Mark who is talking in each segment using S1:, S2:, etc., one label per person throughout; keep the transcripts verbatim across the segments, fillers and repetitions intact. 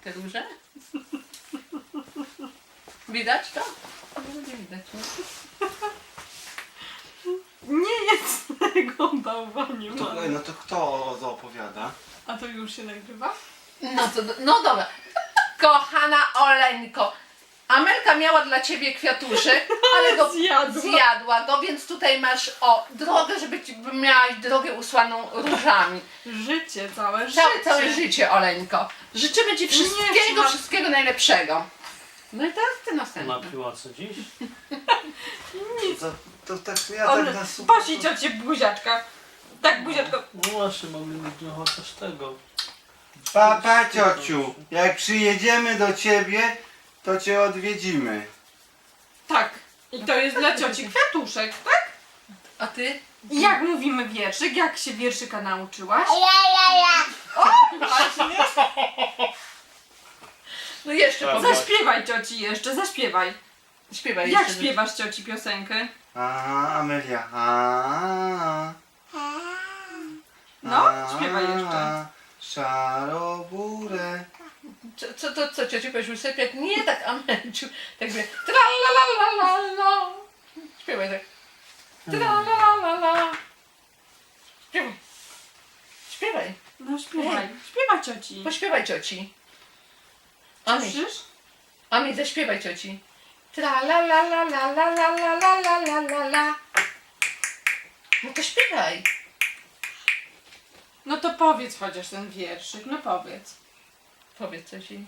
S1: te róże? Widać to? No, nie widać. Nie?
S2: Nie jest tego bałwanie.
S3: To, no to kto to opowiada?
S2: A to już się nagrywa?
S1: No to, no dobra. Kochana Oleńko, Amelka miała dla ciebie kwiatuszek, ale go
S2: Zjadła.
S1: zjadła go, więc tutaj masz o drogę, żeby ci, miałaś drogę usłaną różami.
S2: Życie, całe życie.
S1: Całe, całe życie, Oleńko. Życzymy ci wszystkiego,
S2: trzymam.
S1: wszystkiego najlepszego. No i teraz ty następny.
S4: Napiła co dziś?
S3: To, to tak ja
S2: On
S3: tak na super.
S2: posi ciocie buziaczka. Tak buziaczko.
S4: No właśnie, mogli mieć no chociaż tego.
S3: Papa ciociu, jak przyjedziemy do ciebie, to cię odwiedzimy.
S2: Tak. I to jest dla cioci kwiatuszek, tak?
S1: A ty?
S2: I jak mówimy wierszyk? Jak się wierszyka nauczyłaś? Właśnie.
S1: No jeszcze
S3: Tak.
S1: powiedz.
S2: Zaśpiewaj cioci jeszcze, zaśpiewaj.
S1: Śpiewaj
S2: Jak
S1: jeszcze.
S2: śpiewasz cioci piosenkę?
S3: A, Amelia. A,
S2: No,
S3: a,
S2: śpiewaj jeszcze.
S3: Szaroburę.
S1: Co, co, to, co ciociu powiesz usypiać? Nie tak, Amelciu. Tak wie. Tralalalala. Śpiewaj tak. Tralalalala. Śpiewaj. Śpiewaj.
S2: No śpiewaj. Śpiewaj cioci.
S1: Pośpiewaj cioci. Ami,
S2: Słyszysz?
S1: Ami, zaśpiewaj cioci. Tralalalalalalalalalala. No to śpiewaj.
S2: No to powiedz chociaż ten wierszyk, no powiedz.
S1: Powiedz coś jej.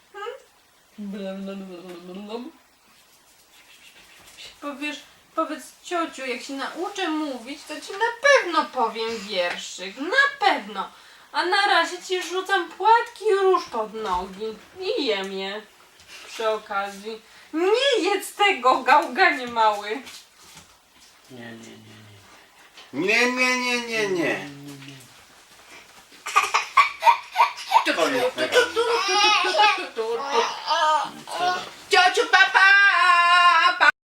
S2: Powiesz, powiedz ciociu, jak się nauczę mówić, to ci na pewno powiem wierszyk, na pewno. A na razie ci rzucam płatki róż pod nogi i jem je przy okazji. Nie jedz tego, gałganie mały.
S4: Nie, nie, nie, nie.
S3: Nie, nie, nie, nie, nie.
S1: Tu, tu,
S3: Koniec
S1: tu,
S3: tego.
S1: tu, tu,